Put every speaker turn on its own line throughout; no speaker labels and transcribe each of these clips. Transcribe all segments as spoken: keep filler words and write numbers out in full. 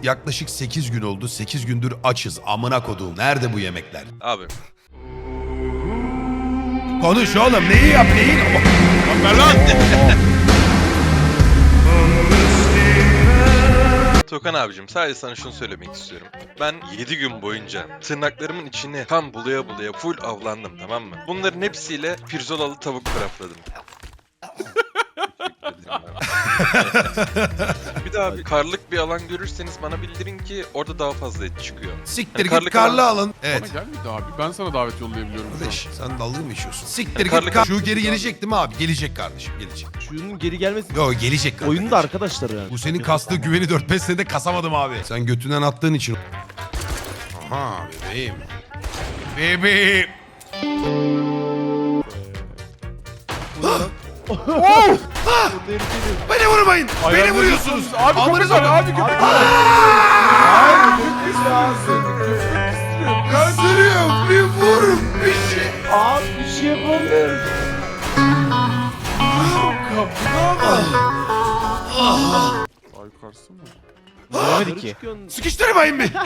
yaklaşık sekiz gün oldu. sekiz gündür açız. Amına koduğum. Nerede bu yemekler?
Abi.
Konuş oğlum. Neyi yap neyi?
Ver lan. Tokan abicim sadece sana şunu söylemek istiyorum. Ben yedi gün boyunca tırnaklarımın içine kan bulaya bulaya full avlandım, tamam mı? Bunların hepsiyle pirzolalı tavuk crafladım. Bir daha bir karlık bir alan görürseniz bana bildirin ki orada daha fazla et çıkıyor.
Siktir
Yani
git karlı
alan-
alın. Evet.
Bana gelmedi abi. Ben sana davet yollayabiliyorum şu an.
Kardeş sen dalga mı geçiyorsun? Siktir
Karlı
git. Kar-
kar-
Şu geri gelecek değil mi abi? Gelecek kardeşim gelecek.
Şunun geri gelmesi
Yo gelecek kardeşim.
oyunda arkadaşlar yani.
Bu senin kastığı güveni dört beş senede kasamadım abi. Sen götünden attığın için. Aha bebeğim. Bebeğim. Beni vurmayın. Beni
Ayağınızı
vuruyorsunuz.
tutuyorsunuz. Abi
Amınıza
köpek var,
bak.
abi köpek var. Hayır köpek istiyorsun.
Kaçırıyorum. Bir vurun bir şey.
Abi bir şey yapamıyorum.
Ay karsın mı?
Göremedik ki.
Sıkıştırmayın beni.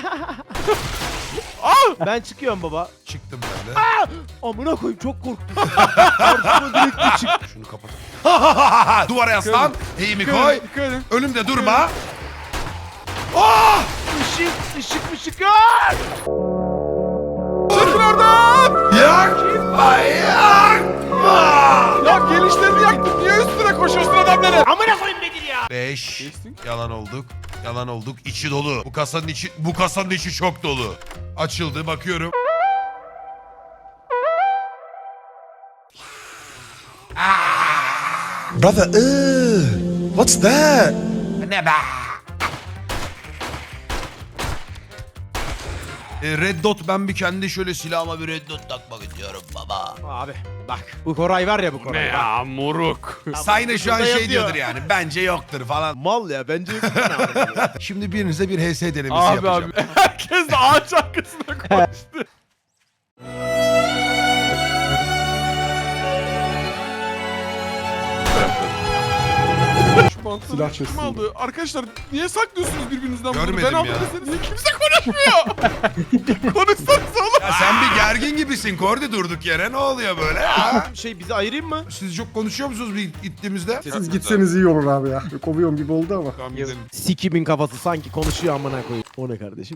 Ben çıkıyorum baba.
Çıktım ben de.
Amına koyayım çok korktum. Karşıma direkt bir çık.
Şunu kapat. Duvara yaslan. Eğimi
Dikkat
koy.
edin, dikkat edin.
Önümde durma. Oh!
Işık, ışık, ışık. Aa!
Çekil oradan!
Yakma yakma.
Ya gelişlerini yaktın. Niye üstüne koşuyorsun adamları?
Amına koyayım Bedir ya.
Beş.
Geçtin.
Yalan olduk. Yalan olduk. İçi dolu. Bu kasanın içi bu kasanın içi çok dolu. Açıldı bakıyorum.
Brother, ugh, what's that?
Ne be? E, Red Dot ben bir kendi şöyle silahıma bir Red Dot takmak istiyorum baba.
Abi bak bu Koray var ya bu Koray.
Ne ya moruk.
Sayne şu an
burada
şey
yazıyor.
diyordur yani. Bence yoktur falan.
Mal ya bence yok.
Şimdi birinize bir H S denemesi
Abi
yapacağım.
abi. Herkes de ağaç arkasına koştu. Şu bantları
Silah
kim
çözsün.
aldı? Arkadaşlar niye saklıyorsunuz birbirinizden bunları?
Görmedim
Ben aldım
ya.
deseniz niye kimse konuşmuyor? Konuşsanız oğlum.
Ya sen bir gergin gibisin Kordi durduk yere. Ne oluyor böyle? Ha?
Şey bizi ayırayım mı?
Siz çok konuşuyor musunuz bir ittiğimizde?
Siz gitseniz iyi olur abi ya. Kovuyorum gibi oldu ama.
Tamam gidelim.
Sikimin kafası sanki konuşuyor amına koyayım. O ne kardeşim?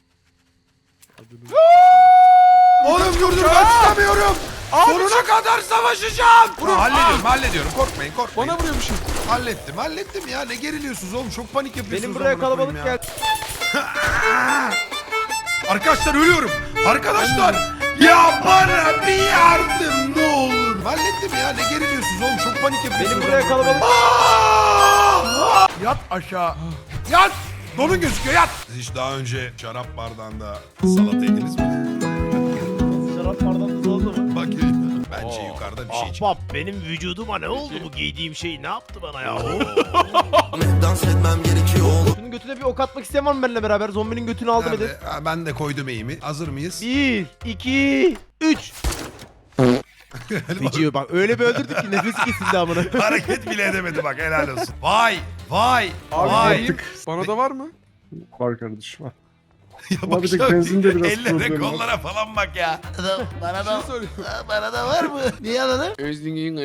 Oğlum dur dur ben tutamıyorum. Sonuna kadar savaşacağım. Ha, hallediyorum hallediyorum korkmayın korkmayın.
Bana vuruyor bir şey.
Hallettim hallettim ya ne geriliyorsunuz oğlum çok panik yapıyorsunuz.
Benim buraya
amına koyayım
kalabalık
ya.
geldi.
Arkadaşlar ölüyorum. Arkadaşlar ya bana bir yardım ne olur. Hallettim ya ne geriliyorsunuz oğlum çok panik yapıyorsunuz.
Benim buraya kalabalık.
Aa! Yat aşağı. Yat. Donun gözüküyor yat. Siz hiç daha önce şarap bardağında salata yediniz mi?
Şarap bardan tuz oldu mu?
Bak bence
Oo.
yukarıda bir şey çıktı.
Ahbap benim vücuduma ne oldu bu giydiğim şey ne yaptı bana ya?
Dans etmem gerekiyor oğlum.
Şunun götüne bir ok atmak isteyen var mı benimle beraber? Zombinin götünü aldım edin.
Nerede? Ha, ben de koydum eğimi. Hazır mıyız?
Bir, iki, üç. Feciyor bak öyle bir öldürdük ki nefesi kesildi amına.
Hareket bile edemedi bak helal olsun. Vay vay
Abi
vay.
vereyim. Bana da var mı?
Var kardeşim var.
Ya
Ama bir de
bak,
benzinde biraz
ellere
problem var.
kollara falan bak ya. Bana
Bir şey soruyorum.
bana da var mı? Niye anladın?
Özlüğün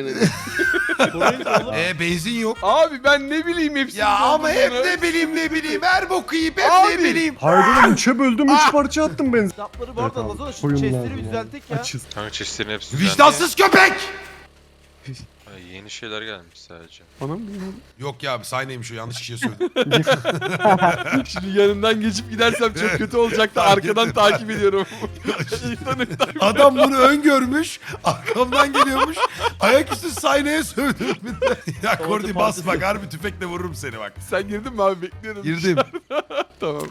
Ee benzin yok.
Abi ben ne bileyim hepsini.
Ya ama hep
olduğunu.
ne bileyim ne bileyim her boku yiyip hep
Abi.
ne bileyim.
Hayır oğlum üçe böldüm üç parça attım benzin.
Kitapları bu arada
Evet abi,
Lazona şu
koyun
chestleri
lazım
bir
abi.
düzeltek ya.
Açız.
Kanka çeşitlerin hepsi
Vicdansız köpek.
düzenli. Ay, yeni şeyler gelmiş sadece.
Bana mı bilmiyorum.
Yok ya abi sahneymiş o yanlış kişiye söyledim.
Şimdi yanından geçip gidersem çok kötü olacak da
Fark
arkadan
ettim.
takip ediyorum. İnsan iptal.
Adam bunu öngörmüş. Arkamdan geliyormuş. Ayaküstü sahneye sövdüm. Ya Kordi bas bak harbi tüfekle vururum seni bak.
Sen girdin mi abi bekliyorum.
Girdim.
Tamam.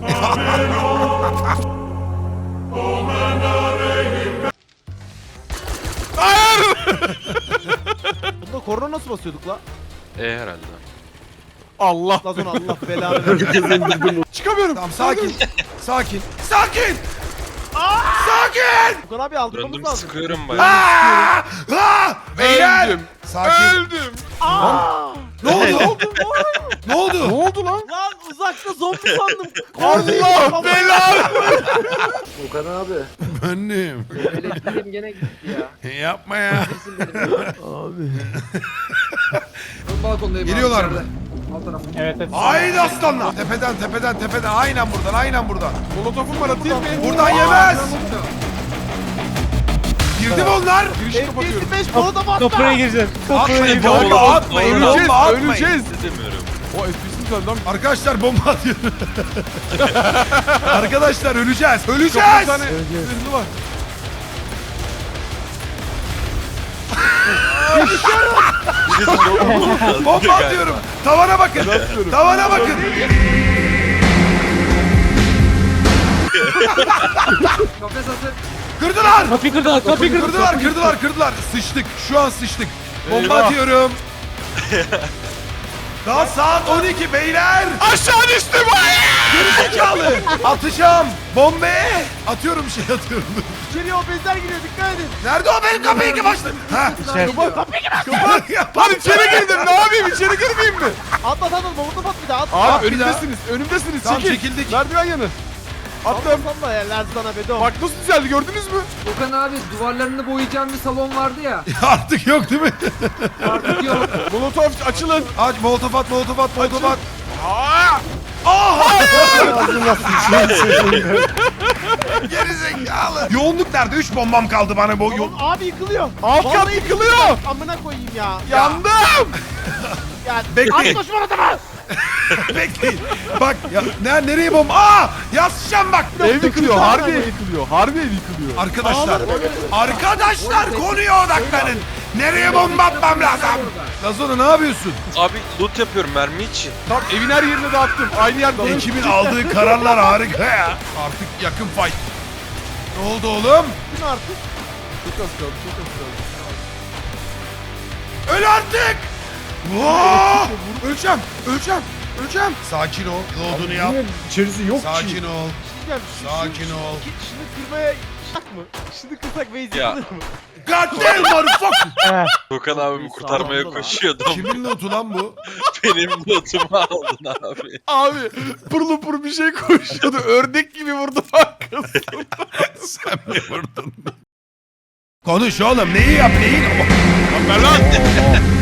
Bunda korona nasıl basıyorduk la?
E herhalde.
Allah.
Lazona Allah belanı versin.
Çıkamıyorum.
Tamam sakin. Sakin. Sakin. Sakin.
Furkan abi aldırmamız
Döndüm
lazım.
sıkıyorum bayağı.
Aa! Aa! Beyler.
Öldüm.
Sakin.
Öldüm.
Aa!
Ne oldu? Ne oldu?
Ne oldu lan?
Lan uzakta zombi sandım.
Allah belanı.
Okan abi.
Annem.
Elektriğim gene gitti ya.
Yapma ya.
Kesin benim.
Abi.
Ben balkondayım.
Geliyorlar
abi,
mı?
içeride. Alt tarafı.
Evet evet.
Haydi aslanlar. Tepeden tepeden tepeden. Aynen buradan aynen buradan.
Molotofum var atayım mı?
Buradan yemez. Girdi mi onlar?
Girişi
F P
kapatıyorum.
S beş bana da battı.
Köprüye gireceğiz.
Atmayın
Bomba,
bomba atmayın
bomba,
bomba atmayın.
Öleceğiz.
İstemiyorum.
O F P S'im güzel lan.
Arkadaşlar bomba atıyor. Arkadaşlar öleceğiz.
Çok bir
Öleceğiz.
tane zırhlı var.
Bomba atıyorum. Tavana bakın. Tavana bakın.
Kafes hazır.
Kırdılar.
Kapıyı kırdılar, kapıyı kırdılar.
Kırdılar, kırdılar, kırdılar. Sıçtık. Şu an sıçtık. Bomba
Eyvah.
atıyorum. Daha saat on iki beyler.
Aşağı düştüm.
Gerizekalı. Atacağım. Bombe. Atıyorum şey atıyorum.
İçeriye o benzer giriyor dikkat edin.
Nerede o benim kapıyı kim açtı? Ha.
Lan içeri girdim. Ne yapayım? İçeri girmeyeyim mi?
At at at at molotof at bir daha at.
Abi
At bir
önümdesiniz. Önümdesiniz.
Tamam,
Çekil.
çekildik.
Merdiven yanı. Attım.
Attım. Salla ya Lerzan'a bedo.
Bak nasıl düzeldi gördünüz mü?
Okan abi duvarlarını boyayacağım bir salon vardı ya.
Artık yok değil mi?
Artık yok.
Molotof açılın.
Aç molotof at, molotof at, molotof at.
Aa!
Aha!
Ağzına sıçayım.
Gerizekalı. Yoğunluk nerede? Üç bombam kaldı bana bu. Yo-
Oğlum abi yıkılıyor.
Alt kat
Vallahi
yıkılıyor.
Amına koyayım ya.
Yandım.
Ya
Bekleyin.
at koş molotofa.
Bekleyin. Bak ya ne, nereye bomba? Aa! Yazacağım bak.
Ev yıkılıyor. Harbi ev yıkılıyor. Harbi ev yıkılıyor.
Arkadaşlar. Arkadaşlar konuya odaklanın. Nereye bomba atmam lazım? Lazona ne yapıyorsun?
Abi loot yapıyorum mermi için.
Tam evin her yerine dağıttım. Aynı yerde.
Ekibin aldığı kararlar harika ya. Artık yakın fight. Ne oldu oğlum?
Kim artık?
Çok az kaldı. Çok az kaldı.
Öl artık. Vaa! Öleceğim. Öleceğim. Öleceğim. Sakin ol. Load'unu yap.
Niye içerisi yok ki?
Sakin ol.
Diyeceğim. şu-
Sakin
şu-
ol.
şu- Şunu kırmaya şak mı? Şunu kırsak base
Ya.
yıkılır mı?
God damn motherfucker.
Gökhan abimi kurtarmaya
Sağlamda lan.
koşuyordum.
Kimin notu lan bu?
Benim lootumu aldın abi.
Abi pırlı pır bir şey koşuyordu. Ördek gibi vurdu arkasına.
Sen mi vurdun? Konuş oğlum. Neyi yap neyi?
Lan ben lan.